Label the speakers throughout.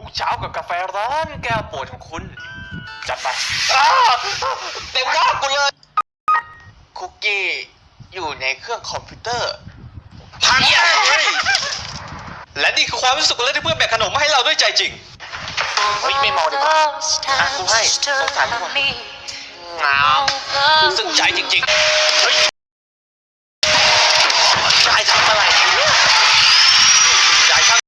Speaker 1: ทุกเช้ากับกาแฟร้อนแก้วโปรดของคุณจัดไปเต็มหน้ากูเลยคุกกี้อยู่ในเครื่องคอมพิวเตอร์พังเลยและนี่คือความรู้สึกเลยที่เพื่อนแบกขนมมาให้เราด้วยใจจริงเฮ้ยไม่เมาดีกว่ากูให้สงสารทุกคนงามซึ่งใจจริงๆเฮ้ยยายทำอะไรยายช่าง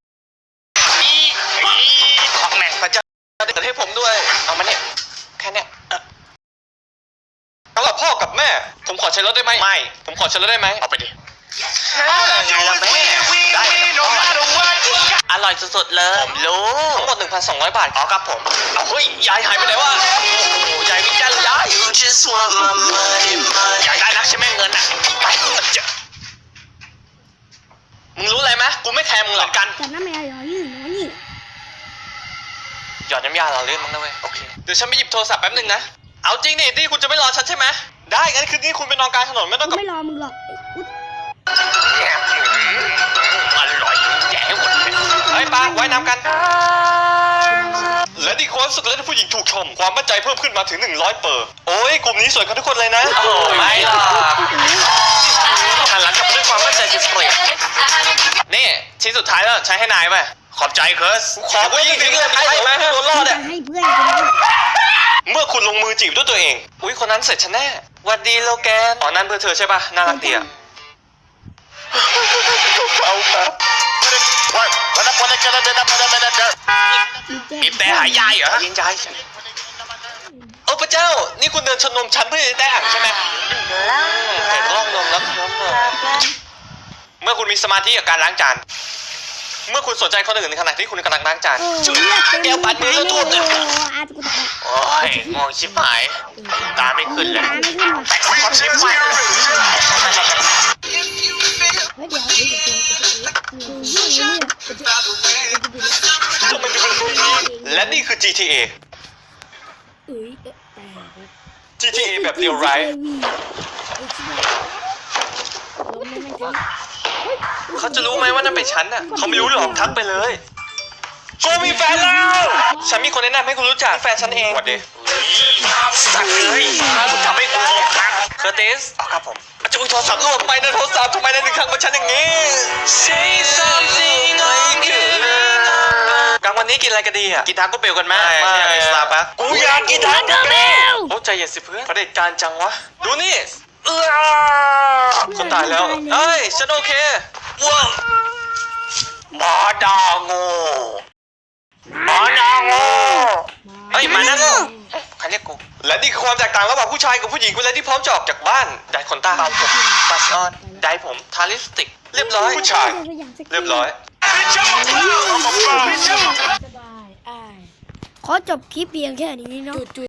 Speaker 1: ขอแม่งพระเจ้าเกิดให้ผมด้วยเอามาเนี่ยแค่เนี้ยสำหรับพ่อกับแม่ผมขอใช้รถได้ไหมไม่ผมขอใช้รถได้ไหมเอาไปดิไงล่ะแม่ได้อร่อยสุดๆเลยผมรู้ทั้งหมด 1,200 บาทอ๋อครับผมเอาเฮ้ยยายหายไปไหนวะโอ้โหยายวิ่งยันยายอยากได้นักใช่ไหมเงินอ่ะไปมึงรู้อะไรไหมกูไม่แคร์มึงหรอกกัน
Speaker 2: แต่น้ำแมวหล่อยื่นน้อยนี่
Speaker 1: หยอดน้ำยาเราเลื่อนมั้งนะเว้ยโอเคเดี๋ยวฉันไปหยิบโทรศัพท์แป๊บนึงนะเอาจริงนี่ที่คุณจะไม่รอฉันใช่ไหมได้งั้นคืนนี้คุณไปนอนกลางถนนไม่ต้อง
Speaker 2: กู
Speaker 1: กับ
Speaker 2: ไม่รอมึงหรอกอุ๊ย
Speaker 1: อร่อยแย่หมดเลยเฮ้ยป้าว่ายน้ำกันและดีความสุขและผู้หญิงถูกชมความมั่นใจเพิ่มขึ้นมาถึง100เปอร์โอ้ยกลุ่มนี้สวยกันทุกคนเลยนะโอ้ไม่หรอกหันหลังกลับมาด้วยความมั่นใจจะเปลี่ยนนี่ชิ้นสุดท้ายแล้วใช้ให้นายไหมขอบใจเคิร์สขอผู้หญิงทิ้งเลยไม่ไหมให้โดนรอด
Speaker 2: จะ
Speaker 1: อ่ะ
Speaker 2: ให้เพื่อนกูนะ
Speaker 1: เมื่อคุณลงมือจีบด้วยตัวเองอุ้ยคนนั้นเสร็จฉันแน่หวัดดีโลแกนอ๋อนั่นเพื่อเธอใช่ป่ะน่ารักดีอ่ะเอาครับบีบแต่หายยายเหรอยิงยายโอ้พระเจ้านี่คุณเดินชนนมฉันเพื่อจะได้อ่างใช่ไหมเห็นร่องนมแล้วเคลิ้มเลยเมื่อคุณมีสมาธิกับการล้างจานเมื่อคุณสนใจคนอื่นในขณะที่คุณกำลังล้างจาน
Speaker 2: โอ้ยเลือดเต็ม
Speaker 1: แก้วปัดมือแล้วท่วมเลย
Speaker 2: โอ้อาจจะกูตาย
Speaker 1: โอ้ยมองชิบหายตาไม่ขึ้นเลย
Speaker 2: ตาไม่ขึ้นว่ะ
Speaker 1: ขอชิบหาย
Speaker 2: เฮ้ยเดี๋ยว
Speaker 1: และนี่คือ GTA
Speaker 2: เอ้ย
Speaker 1: GTA แบบเรียวไรเขาจะรู้ไหมว่านั่นเป็นฉันอ่ะเขาไม่รู้หรอกทักไปเลยกูมีแฟนแล้วฉันมีคนแนะนำให้คุณรู้จักแฟนฉันเองสวัสดีสักเลยคุณทำให้กูโกรธครับเคอร์ติสครับผมจะอุ้ยโทรศัพท์หล่นไปนะโทรศัพท์ทำไมในหนึ่งครั้งมาฉันอย่างนี้ Say something like you กลางวันนี้กินอะไรกันดีอ่ะกินทาโก้เบลกันไหมไม่สตาร์บัคกูอยากกินทาโก้เบลโอ้ใจเย็นสิเพื่อนประเด็จการจังวะดูนี่คนตายแล้วเฮ้ยฉันโอเคว้าวหมาดาโง่หมาดาโง่เฮ้ยหมาดาโง่ใครเรียกกูและนี่คือความแตกต่างระหว่างผู้ชายกับผู้หญิงเวลาที่พร้อมจะออกจากบ้านได้ขนตาผมบัสออนได้ผมทาลิปสติกเรียบร้อยผู้ชายเรียบร้อย
Speaker 2: ขอจบคลิปเพียงแค่นี้เนาะ